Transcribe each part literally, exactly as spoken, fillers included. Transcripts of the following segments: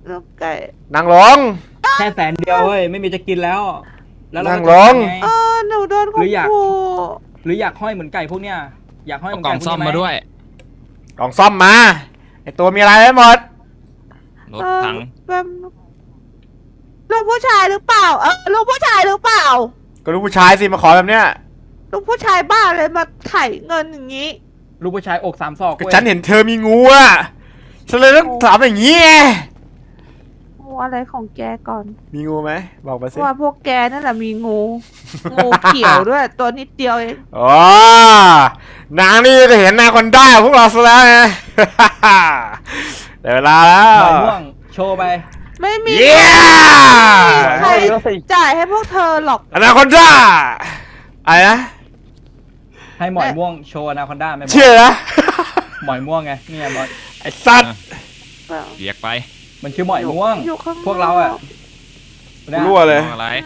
ลูกไก่นั่งลงแค่แสนเดียวเว้ยไม่มีจะกินแล้วแล้วเรานั่งจะลงทำไงเออหนูโดนหรืออยากขู่หรืออยากห้อยเหมือนไก่พวกเนี้ยอยากห้อยเหเอามือนกล่ไก่องพวกซ่อมนี้ไหมมาด้วยกล่องซ่อมมาไอตัวมีอะไรไว้หมดรถถังแบบลูกผู้ชายหรือเปล่าเออลูกผู้ชายหรือเปล่าก็ลูกผู้ชายสิมาขอแบบเนี้ยลูกผู้ชายบ้าเลยมาไถ่เงินอย่างนี้ลูกผู้ชายอกสามศอกก็เว้ยฉันเห็นเธอมีงูอ่ะฉันเลยต้องถามอย่างนี้ไงโอ้อะไรของแกก่อนมีงูไหมบอกมาสิว่าพวกแกนั่นแหละมีงู งูเขียวด้วย ตัวนิดเดียวเองอ๋อนางนี่ก็เห็นนาคนได้พวกเราซะแล้วไง ได้เวลาแล้วหมอยม่วงโชว์ไปไม่มีเย้ใครจ่ายให้พวกเธอหรอกอนาคอนด้าอะไรนะให้หมอยม่วงโชว์อนาคอนด้าไหมบอสเชื่อนะหมอยม่วงไงเนี่ยบอสไอ้สัตว์เรียกไปมันชื่อหมอยม่วงอยู่ข้างนอกพวกเราอะเนี่ยรั่วเลยมองอะไร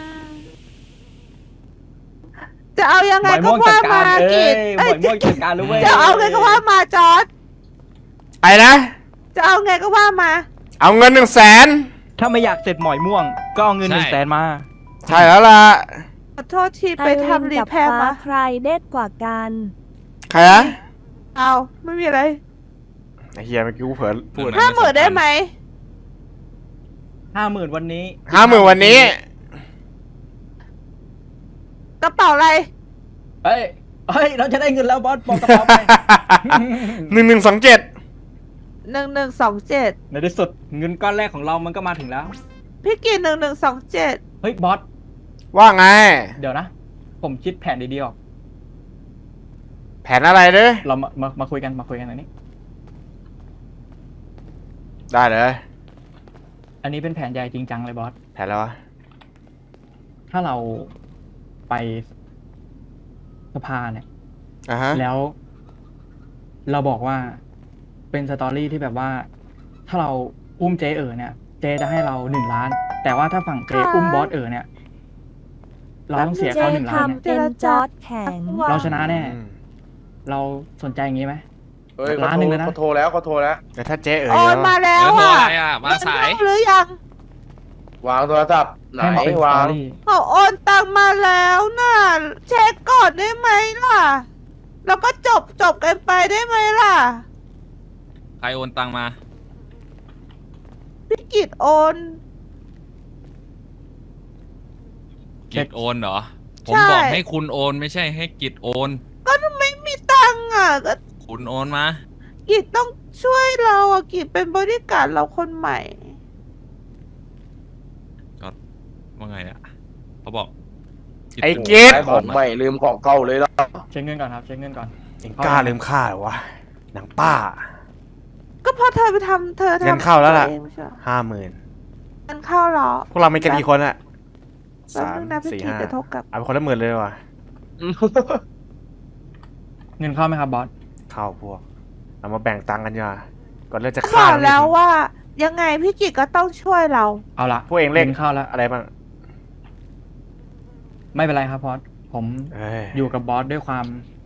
จะเอายังหไงมอยก็ม่วงจัว่าดกาารเอ้กิยจหมอยม่วงจัดการรู้เว้ยจะเอาไงก็ว่ามาจอร์ดไอ้นะจะเอาไงก็ว่ามาเอาเงินหนึ่งแสนถ้าไม่อยากเสร็จหมอยม่วง ก็เอาเงินหนึ่งแสนมาใช่แล้วล่ะขอโทษทีไปทำรีแพร์มาใครเด็ดกว่ากันใครนะเอาไม่มีอะไรไอ้เฮียเมื่อกี้กูเผลอพูดห้าหมื่นได้ไหมห้าหมื่นวันนี้ห้าหมื่นวันนี้กระเป๋าอะไรเฮ้ย เฮ้ย เราจะได้เงินแล้วบอสบอกกระเป๋าไปหนึ่งหนึ่งสองเจ็ดหนึ่งหนึ่งสองเจ็ดในที่สุดเงินก้อนแรกของเรามันก็มาถึงแล้วพี่กินหนึ่งหนึ่งสองเจ็ดเฮ้ยบอสว่าไงเดี๋ยวนะ ผมคิดแผนดีๆออกแผนอะไรเด้อเรามามามาคุยกันมาคุยกันอันนี้ได้เลยอันนี้เป็นแผนใหญ่จริงจังเลยบอสแผนแล้ววะถ้าเราไปสภาเนี่ยอ่ะฮะแล้ว เราบอกว่าเป็นสตอรี่ที่แบบว่า ถ้าเราอุ้มเจเอ๋อเนี่ย เจจะให้เราหนึ่งล้าน แต่ว่าถ้าฝั่งเจอุ้มบอสเอ๋อเนี่ย เราต้องเสียเจเขาหนึ่งล้านเนี่ยทำเป็นจอร์ดแข็งเราชนะแน่อืมเราสนใจอย่างนี้ไหมเฮ้ยล้านหนึ่งเลยนะเขาโทรแล้วเขาโทรแล้วแต่ถ้าเจ๊เอ๋ยโอนมาเนาะแล้วเออโทรอ่ะอะไรอ่ะมาสายเงินเข้หรือยังวางโทรศัพท์ไหนให้มาเป็นสวาตอง รี่เขาโอนตังมาแล้วน่ะเช็คก่อนได้ไหมล่ะ แล้วก็จบจบกันไปได้ไหมล่ะใครโอนตังมาพี่กิจโอนกิจโอนเหรอ ผมใช่บอกให้คุณโอนไม่ใช่ให้กิจโอนก็ไม่มีตังค์อ่ะก็คุณโอนมากิจต้องช่วยเราอ่ะกิจเป็นบริการดเราคนใหม่ก็ว่าไงอ่ะเขาบอกไอ้เจ๊ขายของใหม่ลืมของเก่าเลยเหรอเช็คเงินก่อนครับ เช็คเงินก่อนเอ็งกล้าลืมค่าเหรอวะหนังป้าก็เพราะเธอไปทำเธอทำเงินเข้าแล้วล่ะเองไม่ใช่เหรอห้าหมื่นเงินเข้าเหรอพวกเรามีกันกี่คนอะแป๊บสามนึงนะพี่สี่กิจห้าจะโทรกลับเอาไปคนละหมื่นเลยว่ะเงินเข้าไหมครับบอสเข้าพวก เอามาแบ่งตังค์กันดีกว่าก่อนเริ่มจะบฆ่าอกกันแล้วอีกว่า ยังไงพี่กิจก็ต้องช่วยเราเอาละพวกเองเลขงินเข้าแล้วอะไรบ้างไม่เป็นไรครับบอส ผมเอ้ยอยู่กับบอสด้วยความ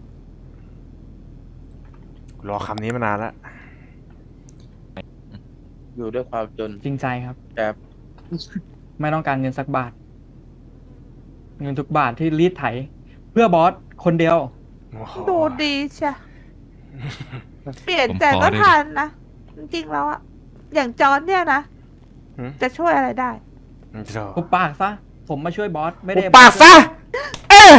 รอคำนี้มานานแล้วอยู่ด้วยความจนจริงใจครับแบบไม่ต้องการเงินสักบาท เงินทุกบาทที่รีดไถ เพื่อบอสคนเดียวโอ้โหดูดีใช่ เปลี่ยนผมใจขอก็ได้ดิทันนะ จริงๆแล้วอะอย่างจอนเนี่ยนะหืมจะช่วยอะไรได้โธ่ปุบปากซะ ผมมาช่วยบอส ไม่หุได้บปากซะ เอ๊ะ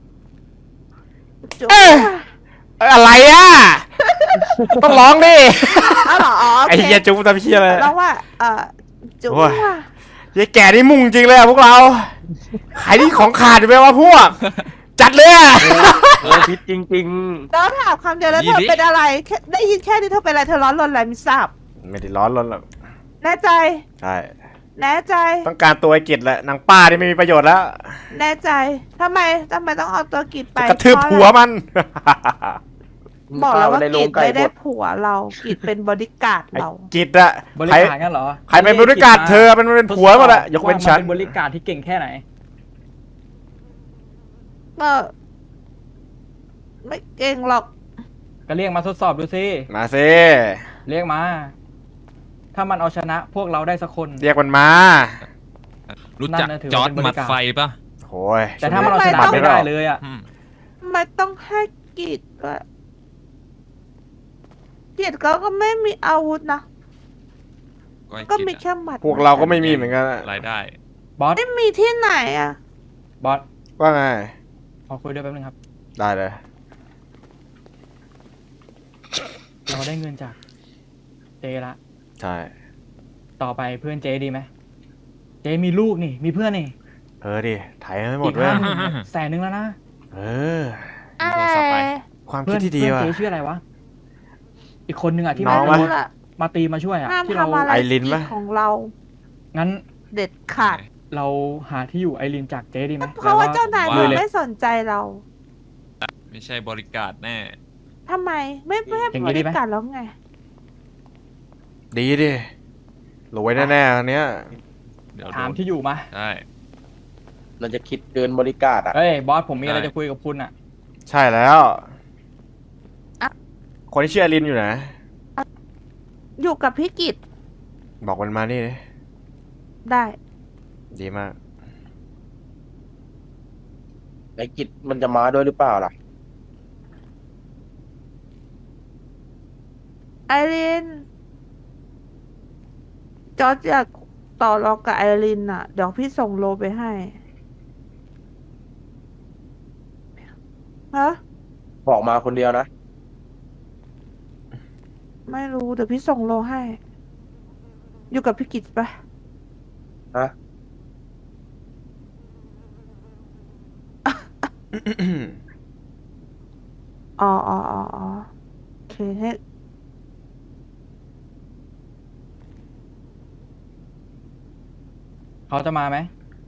จุ๊บเอ๊ะ เอ้ยอะไรอ่ะ ต้องร้องดิเอาเหรออ๋อโอไอ้เคเหี้ยจุ๊บทำเหี้ยอะไรแล้วว่า เออจุ๊บโอ้ยว่ะยายแก่นี่มุ่งจริงเลยอะพวกเรา ขายที่ของขาดไปวะพวก จัดเลยอะโอ้พิษจริงแล้วถามคำเดียวแล้วยี่เธอดิเป็นอะไรแค่ได้ยินแค่นี้เธอเป็นอะไรเธอร้อนรนอะไรไม่ทราบไม่ได้ร้อนรนหรอกแน่ใจใช่แน่ใจต้องการตัวไอ้กิจแหละนางป้านี่ไม่มีประโยชน์แล้วแน่ใจทำไมทำไมต้องเอาตัวกิจไปจะกระทืบเพราะหัวมันๆบอกแล้วว่าในโรกิงจไก่ไม่บได้ดผัวเรากิจเป็นบริการดไอ้เรากิจอะบริใครการงั้นเหรอใครเป็นบริการเธอเป็นเป็นผัวหมดอะยกเว้นฉันเป็นบริการที่เก่งแค่ไหนเออไม่เก่งหรอกก็เรียกมาทดสอบดูสิมาสิเรียกมาถ้ามันเอาชนะพวกเราได้สักคนเรียกมันมารู้จักนั่นน่ะถือจอว่าร์ดเป็นบหมัริดการไฟปะโอ้ยแต่ถ้ามันเอาชนะบัตรไม่หรได้อกเลยอ่ะอืมไม่ต้องให้กิจด้วยกิจก็ก็ไม่มีอาวุธนะก็ให้ก็กิจมีอะแค่หมัดพวกเราก็ไม่มีเหมือนกันอะรายได้บอสไม่มีที่ไหนอ่ะบอสว่าไงขอคุยด้วยแป๊บนึงครับได้เลยเราได้เงินจากเจละใช่ต่อไปเพื่อนเจดีไหมเจมีลูกนี่ มีเพื่อนนี่เออดิไถให้หมอีดกเว้ยห้าหมื่นเนี่ยแสนนึงแล้วนะเออเอ้โทรศัพท์ไปยความเพื่คิอดนที่ดีเพื่อนว่ะเจชื่ออะไรวะ อีกคนนึงอ่ะที่น้มาองไม่วะรู้ล่ะมาตีมาช่วยอ่ะห้ามที่เราทำอะไรไอรินกิปะจของเรางั้นเด็ดขาดเราหาที่อยู่ไอรินจากเจดีไหมเพราะว่าเจ้านายเลมันยเลยไม่สนใจเราไม่ใช่บริการแน่ทำไมไม่ไม่ให้อย่างบนี้ดีริไหมการแล้วไงดีดิรวยแน่ๆอันเนี้ยเดี๋ยวโดถามนที่อยู่มาได้เราจะคิดเกินบริการอ่ะเอ้ยบอสผมมีอะไรได้จะคุยกับคุณอ่ะใช่แล้วอะคนที่ชื่ออลินอยู่ไหนอยู่กับพี่กิจบอกมันมานี่ดิได้ดีมากไอ้กิจมันจะมาด้วยหรือเปล่าล่ะไอริน จอร์จอยากต่อรองกับไอรินอ่ะ เดี๋ยวพี่ส่งโลไปให้ ฮะบอกมาคนเดียวนะไม่รู้ เดี๋ยวพี่ส่งโลให้ อยู่กับพี่กิจปะฮะอ๋ออ๋ออ๋ออ๋อโอเคให้เขาจะมาไหม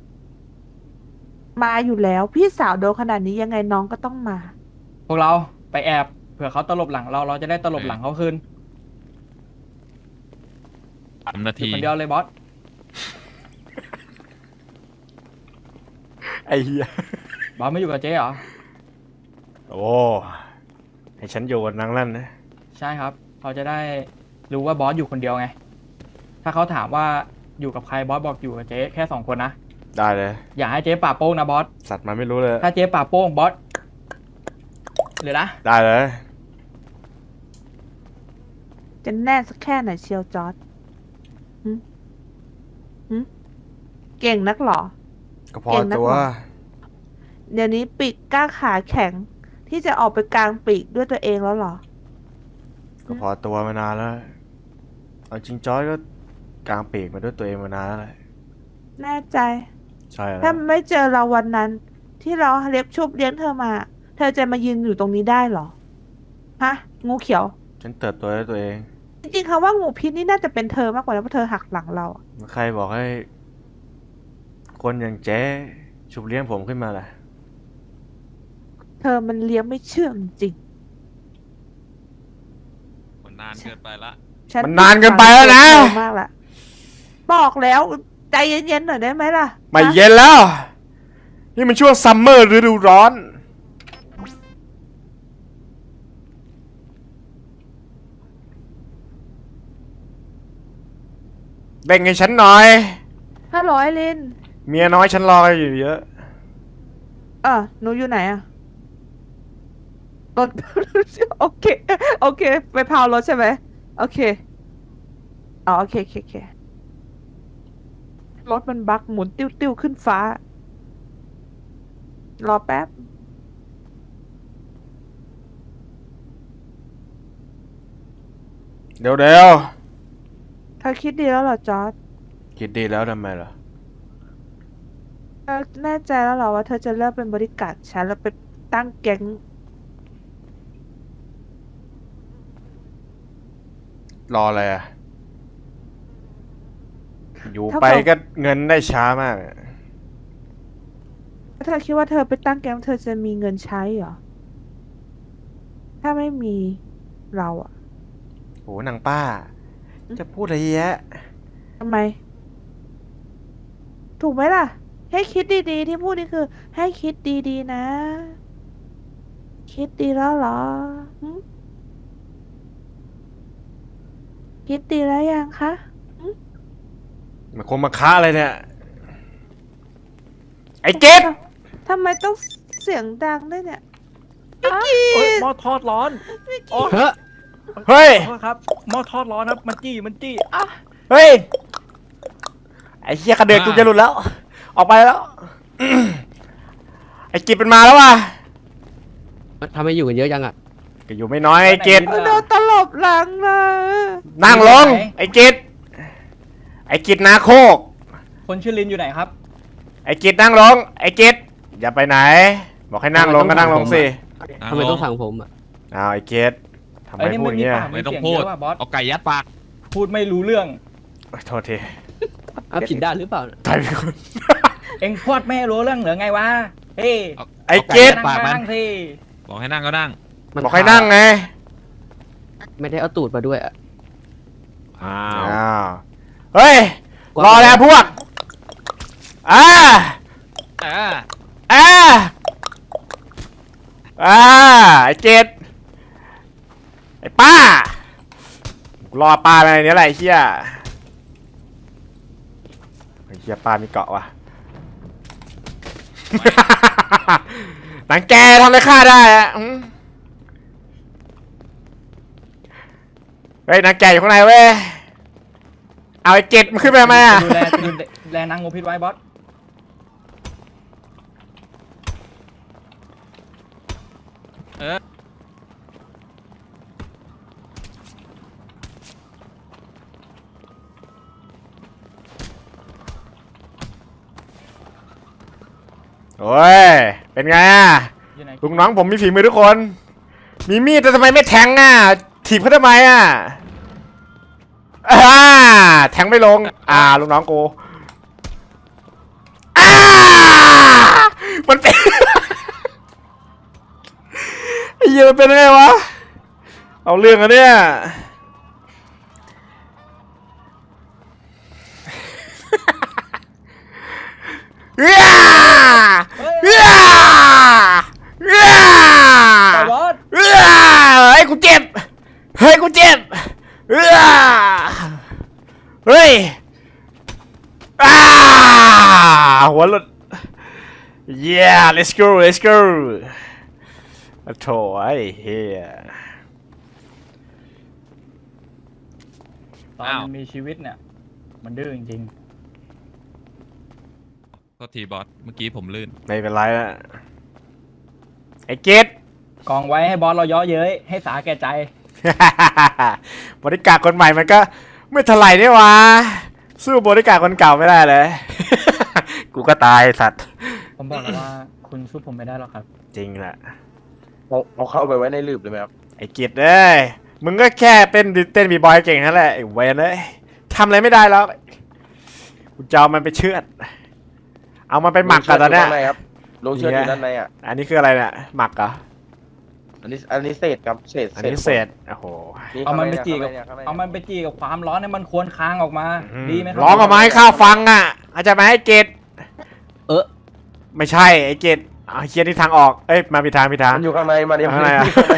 มาอยู่แล้ว พี่สาวโดนขนาดนี้ยังไงน้องก็ต้องมาพวกเราไปแอบเผื่อเขาตลบหลังเราเราจะได้ตลบหลังเขาคืนสามนาอยู่ทีคนเดียวเลยบอสไอ้เหี้ยบอสไม่อยู่กับเจ๊เหรอโอ้ให้ฉันอยู่กับนางนั่นนะใช่ครับ เขาจะได้รู้ว่าบอสอยู่คนเดียวไง ถ้าเขาถามว่าอยู่กับใครบอสบอกอยู่กับเจ๊แค่สองคนนะได้เลยอย่าให้เจ๊ป่าโป้งนะบอสสัตว์มันไม่รู้เลยถ้าเจ๊ป่าโป้งบอสเลยนะได้เลยจะแน่สักแค่ไหนเชียวจอร์จหึหึเก่งนักเหรอก็พอเก่งนักตัวหรอ เดี๋ยวนี้ปีกกล้าขาแข็ง ที่จะออกไปกลางปีกด้วยตัวเองแล้วเหรอก็พอตัวมานานแล้วเอาจริงจอยก็กลางปีกมาด้วยตัวเองมานานแล้วแหละแน่ใจใช่แล้วถ้าไม่เจอเราวันนั้น ที่เราเล็บชุบเลี้ยงเธอมา เธอจะมายืนอยู่ตรงนี้ได้เหรอ ฮะ งูเขียวฉันเติบโตด้วยตัวเองจริงๆคำว่างูพิษนี่น่าจะเป็นเธอมากกว่านะเพราะเธอหักหลังเราอะใครบอกให้ คนอย่างเจ๊ชุบเลี้ยงผมขึ้นมาล่ะเธอมันเลี้ยงไม่เชื่องจริงมันนานเกินไปละฉันมันนานเกินไปแล้วนะเธอมากละบอกแล้วใจเย็นๆหน่อยได้ไหมล่ะไม่ฮะเย็นแล้ว นี่มันช่วงซัมเมอร์ฤดูร้อน เบ่งให้ฉันหน่อยฮัลโหลไอรินเมียน้อยฉันรออยู่เยอะเออหนูอยู่ไหนอะรถ โอเค โอเค ไปพาวรถใช่ไหม โอเค อ๋อ โอเคโอเคโอเค รถมันบักหมุนติ้วติ้วขึ้นฟ้า รอแป๊บเดี๋ยวเดี๋ยวเธอคิดดีแล้วเหรอจอร์จคิดดีแล้วทำไมล่ะเธอแน่ใจแล้วเหรอว่าเธอจะเลิกเป็นบริการดฉันแล้วไปตั้งแก๊งรออะไรอ่ะ อยู่ไปก็เงินได้ช้ามากเธอคิดว่าเธอไปตั้งแก๊งเธอจะมีเงินใช้เหรอ ถ้าไม่มีเราอะโหนางป้า จะพูดอะไรแยะทำไม ถูกไหมล่ะ ให้คิดดีๆ ที่พูดนี่คือ ให้คิดดีๆนะ คิดดีแล้วเหรอหึคิดดีแล้วยังคะมันคงมาค้าอะไรเนี่ย ไอ้เกดทำไมต้องเสียงดังด้วยเนี่ยเอ้ยหม้อทอดร้อนโอ้เฮ้ยเฮ้ยขอโทษครับหม้อทอดร้อนครับมันจี้มันจี้อ่ะเฮ้ย ไอ้เหี้ยกระเดือกกูจะหลุดแล้ว ออกไปแล้ว ไอ้กิจเป็นมาแล้วว่ะทำไมอยู่กันเยอะจังอ่ะก็อยู่ไม่น้อยไอ้กิจโดนตลบหลังนะนั่งลง ไอ้กิจไอ้กิจนาโคกคนชื่อลินอยู่ไหนครับไอ้กิจนั่งลง ไอ้กิจอย่าไปไหน บอกให้นั่งลงก็นั่งลงสิทำไมต้องสั่งผมอ่ะอ้าวไอ้กิจทำไมเอ้ยนี่พูดอย่างเงี้ยมันมีปากไม่ต้องพูดเสียงเยอะว่ะบอสเอาไก่ยัดปากพูดไม่รู้เรื่องโอ้ยโทษทีอ้าวผิดด้านหรือเปล่าตายไปคนเอ็งพูดไม่รู้เรื่องเหรือไงวะเฮ้ยเอาไอ้เอาเกไก่รยัดดปากมันนั่งสิบอกให้นั่งก็นั่งบอกให้นั่งไงไม่ได้เอาตูดมาด้วยอ่ะอ้าอ้าว เฮ้ย รอแล้วพวก อ่าอ่าอ่า อ่า ไอ้เกดไอ้ป้า รอป้าไปในนี้แหละไอ้เหี้ย ไอ้เหี้ยป้ามีเกาะว่ะ หนังแกทำอะไรข้าได้อะอืมเฮ้ยหนังแกอยู่ข้างในเว้ย เอาไอ้เกดมันขึ้นไปทำไมอ่ะดูแลดูแลนางงูพิษไว้บอสเออโอ้ย เป็นไงอ่ะอยู่ไหนลุงน้องผมมีฝีมือทุกคน มีมีดแต่ทำไมไม่แทงอ่ะ ถีบเขาทำไมอ่ะอ่าแทงไม่ลง อ่าลุงน้องกูอ่ามันเป็น ไอ้เหี้ยมันเป็นยังไงวะ เอาเรื่องอะเนี่ย เอ้ยเอ้ยเอ้ยไปบอสเอ้ยเฮ้ยกูเจ็บ เฮ้ยกูเจ็บเอ้ยเฮ้ยอ้าหัวหลุด yeah let's go let's go โถ่ไอ้เหี้ยตอนมันมีชีวิตเนี่ย มันดื้อจริงโทษทีบอส เมื่อกี้ผมลื่นไม่เป็นไรนะไอ้เกดๆ กองไว้ให้บอสเราเย่อเย้ยให้สาแก่ใจบริการคนใหม่มันก็ไม่เท่าไหร่นี่หวะสู้บริการคนเก่าไม่ได้เลย กูก็ตายสัตว์ผมบอกแล้วว่าคุณสู้ผมไม่ได้หรอกครับจริงแหละเอาเอาเข้าไปไว้ในลืบเลยไหมครับไอ้กิจเอ้ยมึงก็แค่เป็นเต้นบีบอยเก่งนั่นแหละไอ้เวนเอ้ยทำอะไรไม่ได้แล้วกูจะเอามันไปเชือด เอามันไปหมักกันตอนเนี้ยลงเชือดอยู่ด้านในอ่ะอันนี้คืออะไรเนี่ยหมักเหรออันนี้อันนี้เศษครับเศษอันนี้เศษโอ้โหเอามันไปจีกับข้างในเอามันไปจีกับความร้อนให้มันควรค้างออกมา ดีไหมครัร้องออกมาให้ข้าฟังอ่ะเข้าใจไหมไอ้เกดเออไม่ใช่ไอ้เกดเอาเคียนที่ทางออกเอ้ยมาผิดทางผิดทางมันอยู่ข้างในมันยังข้างในอะอยู่ข้างใน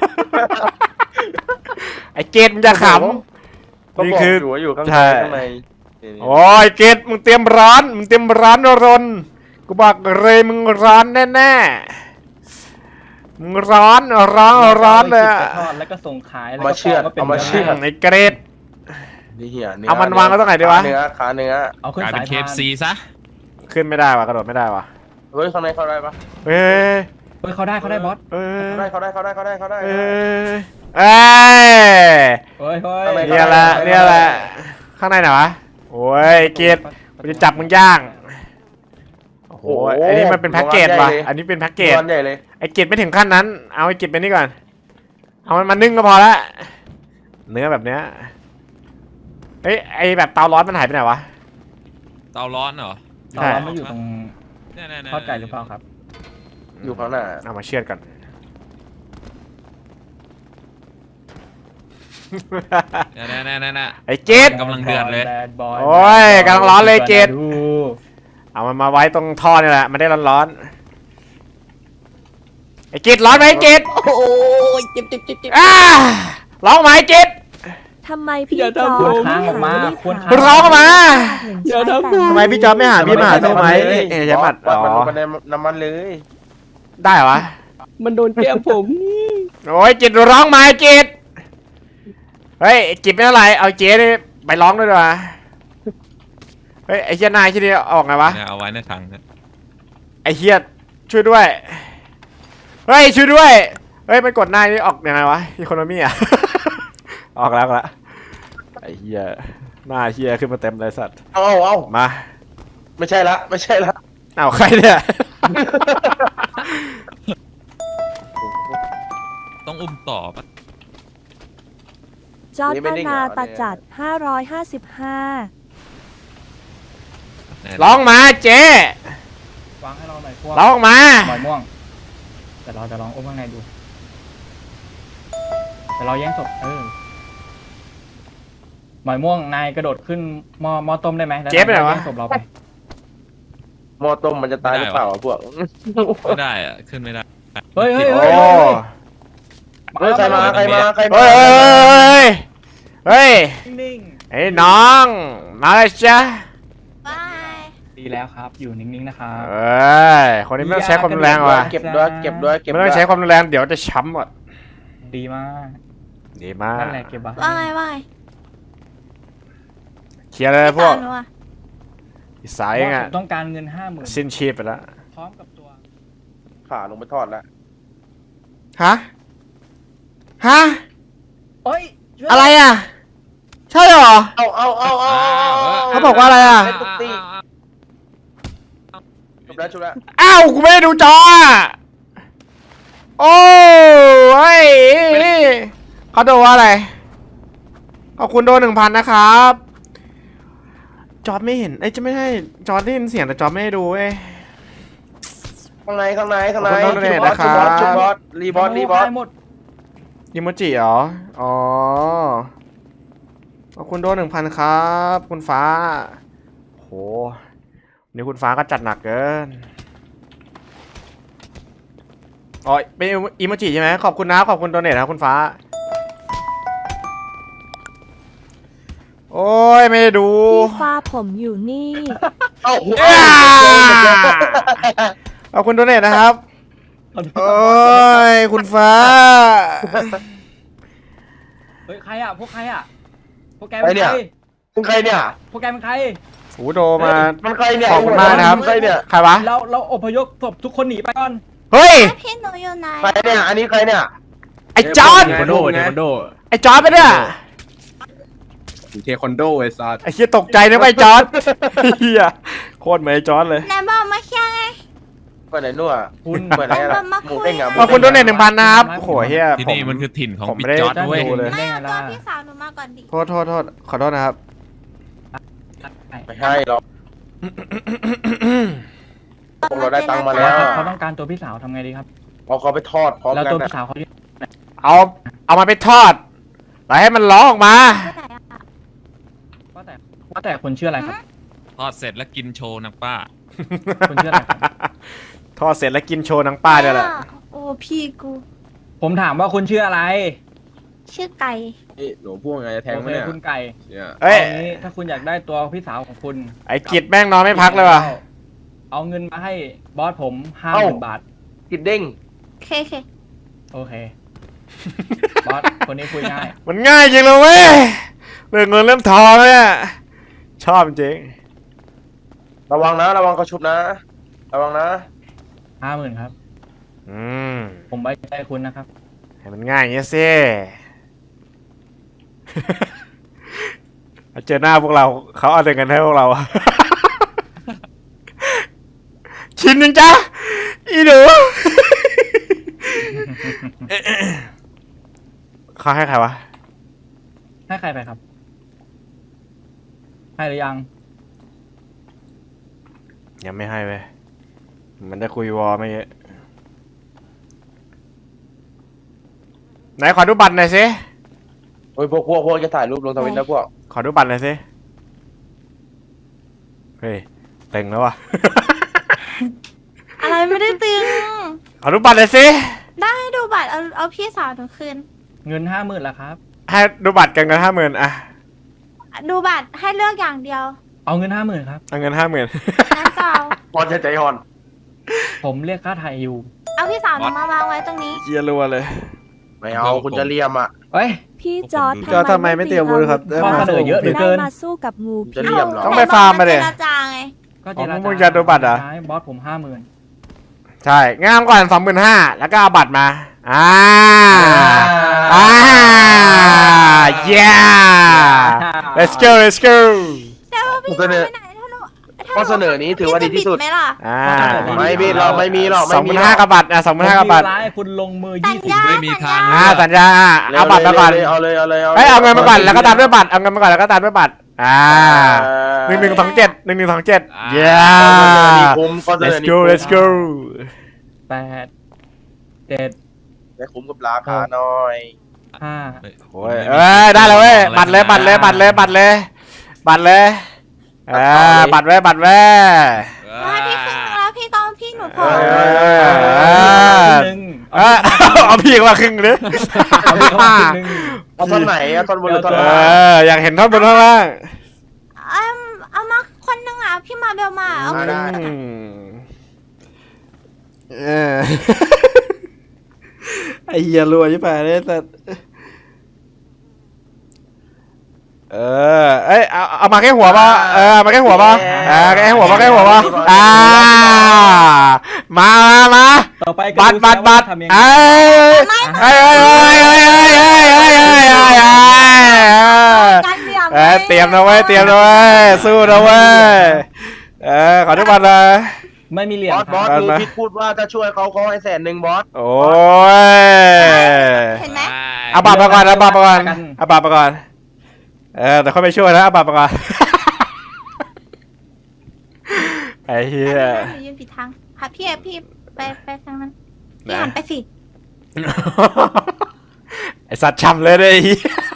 ไอ้เกดมึงจะขก็นี่บอกคืออยู่ว่าอยู่ข้างใช่ในข้างในนี่ำโอ้ยเกดมึงเตรียมร้อนมึงเตรียมร้อนรนกูบอกเลยมึงร้อนแน่ๆมึงร้อนร้อนร้อนเลยอะทอดแล้วก็ส่งขายแล้วมาก็เชือดก็เป็นเอามาเชือดไอ้เกรดนี่เหี้ยเนื้เอามันวางไว้ตรงไหนดีวะขาเนื้อขาเนื้อเอาขึ้นกลายสาเป็ยนเคพาฟนซีซะขึ้นไม่ได้วะกระโดดไม่ได้วะเฮ้ยข้างในเข้าได้ปะเฮ้ยเฮ้ยเขาได้เขาได้บอสเฮ้ยเข้าได้เข้าได้เข้าได้เข้าได้เข้าได้เฮ้ยเอ้ยเฮ้ยเฮ้ยข้างในเนี่ยแหละเนี่ยแหละข้างในไหนวะโอ้ยเกรดกูจะจับมึงย่างโอ้โหอันนี้มันเป็นแพ็กเกจว่ะอันนี้เป็นแพ็กเกจร้อนใหญ่เลยไอ้เกรดไม่ถึงขั้นนั้น เอาไอ้เกรดไปนี่ก่อนเอามันมานึ่งก็พอละเนื้อแบบเนี้ยเฮ้ยไอแบบเตาร้อนมันหายไปไหนวะเตาร้อนเหรอเราเราไม่อยู่ตรงเนี่ยๆๆทอดไก่หรือเปล่าครับอยู่ข้างหน้าเอามาเชือดก่อนเนี่ยๆๆๆไอ้เกรดกำลังเดือดเลย Bad boy โอ้ยกำลังร้อนเลยเกรดดูเอามันมาไว้ตรงท่อนี่แหละมันได้ร้อนๆไอ้เกรดร้อนไหมไอ้เกรดโอ้ยเจ็บเจ็บเจ็บเจ็บอ้าร้องไหมไอ้เกรดทำไมพี่อย่าจอทำร์ผมจค้างออกมาไม่ควรหาคุณร้องออกมาอย่าทำผมทำไมพี่จอร์จไม่หาพี่มาหาสู้ไหมเอ๊ะเอ๊ะใช่ปัดวัอ๋ดมันลองไปในน้ำมันเลยได้เหรอวะมันโดนแก้มผมโอ้ยจิตร้องมาจิตเฮ้ยจิตไม่เท่าไหร่เอาเจ๊นี่ไปร้องด้วยดีกว่าเฮ้ยไอ้เฮียนายที่นี่ออกไงวะเนี่ยเอาไว้ในถังนะไอ้เฮียช่วยด้วย เฮ้ยช่วยด้วย เฮ้ยมันกดหน้านี่ออกยังไงวะอีโคโนมี่อะ ออกแล้วออกแล้วไอ้เฮียหน้าเฮียขึ้นมาเต็มเลยสัตว์เอาเอาเอามาไม่ใช่ละไม่ใช่ละอ้าวใครเนี่ยต้องอุ้มต่อปะจอร์จปนาตาจัดห้าร้อยห้าสิบห้าไหนร้องมาเจ๊วางให้เราหน่อยพวกร้องมาหมอยม่วงแต่เราจะลองอุ้มข้างในดูแต่เราแย่งศพเออหมอยม่วงนายกระโดดขึ้นหม้อหม้อต้มได้ไหมแล้วเจ๊ไปไหนวะแย่งศพเราไปหม้อต้มมันจะตายหรือเปล่าอะพวกไม่ได้อะขึ้นไม่ได้เฮ้ยเฮ้ยโอ้เฮ้ยเฮ้ยเฮ้ยใครมาใครมาใครมาเฮ้ยเฮ้ยเฮ้ยนิ่งไอ้น้องมาเลยจ้ะๆดีแล้วครับ อยู่นิ่งๆนะครับเอ้ยคนนี้ไม่ต้องใช้ความรุนแรงว่ะเก็บด้วยเก็บด้วยเก็บไม่ด้ต้วอย งใช้ความรุนแรงเดี๋ยวจะช้ำหมดดีมากดีมากนั่นแหละเก็บไว้ว่าไงว่าไงเคลียร์เลยพวกตามหนูอะอีสายเองผอะมต้องการเงินห้าหมื่นสิ้นชีพไปแล้วพร้อมกับตัวขาลงไปทอดแล้วฮะฮะเฮ้ยช่วยอะไรอ่ะใช่เหรอเอาเอาเอาเอาเขาบอกว่าอะไรอะเล่นตุ๊กตี้จบแล้วจบแล้วอ้าวกูไม่ได้ดูจออ่ะโอ้ยเขาโดนว่าอะไรขอบคุณโดนหนึ่งพันนะครับจอร์จไม่เห็นไอ้ยจะไม่ให้จอร์จได้ยินเสียงแต่จอร์จไม่ได้ดูเว้ยข้างในข้างในข้างในขอบคุณโดเนทบอสนะครับชุบบอสรีบอสรีบอสได้หมดอิโมจิเหรออ๋อขอบคุณโดนหนึ่งพันครับคุณฟ้าโหนี่คุณฟ้าก็จัดหนักเกินอ๋อเป็นอิโมจิใช่ไหมขอบคุณนะขอบคุณโดเนทครับคุณฟ้าโอ้ยไม่ได้ดูพี่ฟ้าผมอยู่นี่เอ้าอ้า ขอบคุณโดเนทนะครับโอ้ยคุณฟ้าเฮ้ยใครอ่ะพวกใครอ่ะพวกแกใครเป็นเนี่ยใครมึงใครเนี่ยพวกแกเป็นใครโอ้โดมามันใครเนี่ยขอบคุณมากนะครับมึงใครเนี่ยใครวะเราเราอพยพศพทุกคนหนีไปก่อนเฮ้ยพี่หนูอยู่ไหนใครเนี่ยอันนี้ใครเนี่ยไอ้จอร์ดเทควันโดเทควันโดไอ้จอร์ดไปเนี่ยเทควันโดไอ้สัสไอ้เฮียตกใจนะไอ้จอร์ดเฮียโคตรเหมือนไอ้จอร์ดเลยไหนบอกมาเคลียร์ไงเปิดไหนนู่นอะคุณเปิดไหนล่ะมาหคุมูยเด้งอะขอบคุณโดเนทหนึ่งพันนะครับโอ้โหเฮียที่ผมนี่มันคือถิ่นของผมบิ๊ไม่กได้จอร์ดด้วยดูเลยไม่ได้ไงเอาตัวล่ะพี่สาวหนูมาก่อนดิโทษโทษโทษขอโทษนะครับไม่ให้หรอกพวกเราได้ตังค์มาแล้วเขาต้องการตัวพี่สาวทำไงดีครับเอาเขาไปทอดพร้อมแล้วกันตัวนะพี่สาวเขาอยู่เอาเอามาไปทอดแล้วให้มันร้องออกมาที่ไหนอะว่าแต่ว่าแต่คนชื่ออะไรครับทอดเสร็จแล้วกินโชว์นะป้าคนชื่ออะไรครับทอดเสร็จแล้วกินโชว์นางป้าด้วยแหละโอ้พี่กูผมถามว่าคุณชื่ออะไรชื่อไก่นี่หนูพูดไงจะแทงโอไหมเคเนี่ยคุณไก่เนี่ยเอ้ยเอางี้ถ้าคุณอยากได้ตัวพี่สาวของคุณไอ้กิจแม่งนอนไม่พักเลยว่ะเอาเงินมาให้บอสผมห้าหมื่นบาทกินเด้งเคเคโอเค บอสคนนี้คุยง่ายมันง่ายจริงเลยเว้ยเรื่องเงินเริ่มทองเลยอะชอบจริงระวังนะระวังเขาชุบนะ ระวังนะห้าหมื่นครับอืมผมไว้ใจคุณนะครับให้มันง่ายอย่างเงี้ยสิ เจอหน้าพวกเราเขาเอาแต่เงินให้พวกเรา ชินยังจ้ะอีหนู เขาให้ใครวะให้ใครไปครับ ให้หรือยังยังไม่ให้เว้ยมันได้คุยวอไม่เยอะไหนขอดูบัตรหน่อยสิโอ้ยพวกพวกพวกจะถ่ายรูปลงทวิตนะพวกขอดูบัตรหน่อยสิ เฮ้ยเต็งแล้ววะอะไรไม่ได้ตึงขอดูบัตรหน่อยสิได้ดูบัตรเอาเอาพี่สาวหนูคืนเงินห้าหมื่นละครับให้ดูบัตรกันเงินห้าหมื่นอะดูบัตรให้เลือกอย่างเดียวเอาเงินห้าหมื่นครับเอาเงินห้าหมื่นงั้นก็เอาบอสจะใจอ่อนผมเรียกค่าไทยอยู่เอาพี่สาวหนูมาวางไว้ตรงนี้เยียรัวเลยไม่เอาคุณจะเลียมอ่ะเฮ้ยพี่จอร์ดจอร์จทำไมไม่เตรียมอาวุธครับข้อเสนอเยอะเหลือเกิได้นมาสู้กับงูจะพิษเลี่ยมเหรอต้องไปฟาร์มมาดิเจรจาไงก็อ๋เจอรมึจางจะดูบัตรเหรอบอสผมห้าหมื่นใช่งามก่อนสองหมื่นห้าแล้วก็เอาบัตรมาอ่าอ่า yeah let's go let's go แต่ว่าพี่เสนอไปไหนถ้าหนูถ้าหนูข้อเสนอนี้ถือว่าดีที่สุดพี่จะบิไหมล่ะอ่าไม่มีเราไม่มีหรอกสไม่องหมีมื่นหรห้าอกกับบัตรอ่ะสองหมื่นห้ากับบัตรผมมีร้ายคุณลงมือสัยี่ญสิบญาไม่มีทางอ่าสัญญาอ่ะเอาบัตรมาก่อนเอาเลยเอาเลยเอาเลยเอ้ยเอาเงินมาก่อนแล้วก็ตามด้วยบัตรเอาเงินมาก่อนแล้วก็ตามด้วยบัตรอ่าหนึ่งหนึ่งสองเจ็ดหนึ่งหนึ่งสองเจ็ด yeah คุ้มข้อเสน let's อนี้ go let's go แปดเจ็ดได้คุ้มกับราคาหน่อยห้าโอ้ยเอ้ยได้แล้วเว้ยบัตรเลยบัตรเลยบัตรเลยบัตรเลยบัตรเลยเออบัตรไว้บัตรไว้ว่าพี่ขึ้นมาแล้วพี่ต้องพี่หนูพอเออหนึ่งเออเอาพี่มาครึ่งเลยเอาพี่เข้ามาครึ่งหนึ่งเอาท่อนไหนเอาท่อนบนหรือท่อนเอล่างออยากเห็นท่อนบนท่อนล่างเอาเอามาคนนึงอ่ะพี่มาเบลมาเอามาได้อืมเออไอ้เหี้ยรัวยิ่งไปเลยแต่เออเอ้ยเอาเอามาแค่หัวป่ะเออมาแค่หัวป่ะเออแค่หัวป่ะแค่หัวป่ะอ่ามามามาต่อไปก็บัตรบัตรบัตรทำยังไงเอ้ยเอ้ยเอ้ยเอ้ยเอ้ยเอ้ยเอ้ยเอ้ยเอ้ยเอ้ยเอ้ยการเหลี่ยมเอ้ยเตรียมนะเว้ยเตรียมนะเว้ยสู้นะเว้ยเออขอทุกบัตรเลยไม่มีเหรียญบอสครับบอสมือพิษพูดว่าถ้าช่วยเขาเขาให้แสนหนึ่งบอสโอ้ยเห็นไหมเอาบัตรมาก่อนเอาบัตรมาก่อนเอาบัตรมาก่อนเออแต่ค่อยไปช่วยนะเอาบัตรมาก่อนไอ้เหี้ยหนูยืนผิดทางค่ะพี่พี่ไปไปทางนั้นพี่หันไปสิไอสัตว์ช้ำเลยเลย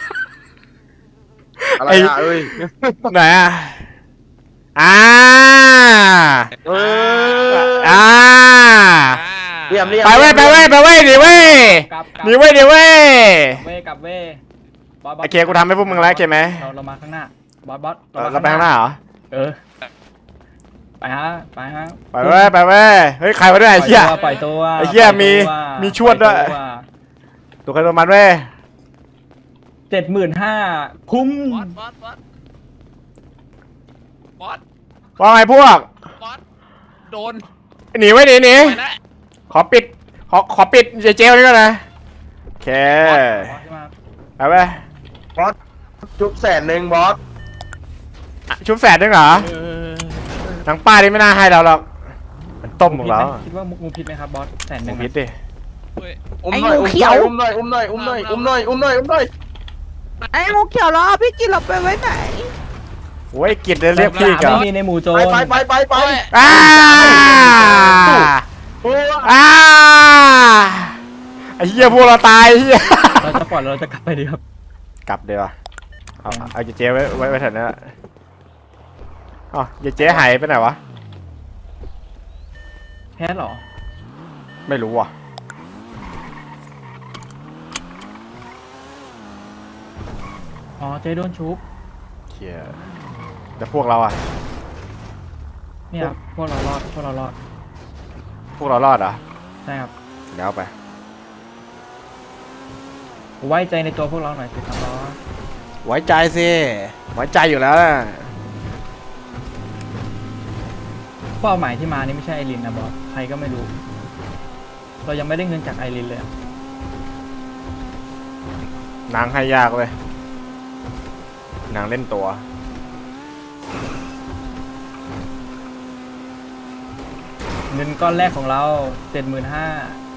ไอ้อะไรอ่ะเอ้ยไหนอ่ะอ่าเอออ่าเลี่ยมเลี่ยมไปเว้ยไปเว้ยไปเว้ยหนีเว้ยกลับกลับหนีเว้ยหนีเว้ยเว้ยกลับเว้ยบอสบอสโอเคกูทำให้พวกมึงแล้วโอเคไหมเราเรามาข้างหน้าบอสบอสเออเราไปข้างหน้าเหรอเออไปฮะไปฮะไปเว้ยไปเว้ยเฮ้ยใครมาด้วยไอ้เหี้ยปล่อยตัวไอ้เหี้ยมีปล่อตัวมีชวดด้วย ตัวใครตัวมันเว้ยเจ็ดหมื่นห้าคุ้มบอสบอสบอสบอสว่าไงพวกบอสโดนหนีไว้หนีหนีไปแล้วขอปิดขอขอปิดเจเจนี่ก่อนนะโอเคบอสใช่ไหมไปเว้ยบอสจุบแสนหนึ่งบอสอ่ะชุบแฝดด้วยเหรอทางป้านี่ไม่น่าให้เราหรอกมันต้มของเราคิดว่ามุกงูพิษไหมครับบอสแสนหหมูนึ่งพิษดิเฮ้ยอุ้มหน่อยอุ้มหน่อยอุ้มหน่อยอุ้มหน่อยอุ้มหน่อยอุ้มหน่อยอุ้มหน่อยอุ้มหน่อยไอ้งูเขียวแล้วเอาพี่กินเราไปไว้ไหนโอ้ยกิจเรียกพี่กันไม่มีในหมู่โจรไปไปไปไปไปอ้าโอ้ยอ้าไอ้เหี้ยพวกเราตายไอ้เหี้ยเราจะปล่อยเราจะกลับไปดีครับกลับเดี๋ยวเอาเอาเจเจไว้ไว้ไว้แถวนั้นอะอ๋อเจเจหายไปไหนวะแพทย์เหรอไม่รู้ว่ะอ๋อเจ๊โดนชุบเชี่ยแต่พวกเราอะเนี่ยครับพวกเรารอดพวกเรารอดพวกเรารอดเหรอใช่ครับเดี๋ยวเอาไปไว้ใจในตัวพวกเราหน่อยสิครับบอสไว้ใจสิไว้ใจอยู่แล้วนะเป้าหมายที่มานี่ไม่ใช่ไอรินนะบอสใครก็ไม่รู้ เรายังไม่ได้เงินจากไอรินเลยอะนางให้ยากเลยนางเล่นตัวเงินก้อนแรกของเราเจ็ดหมื่นห้า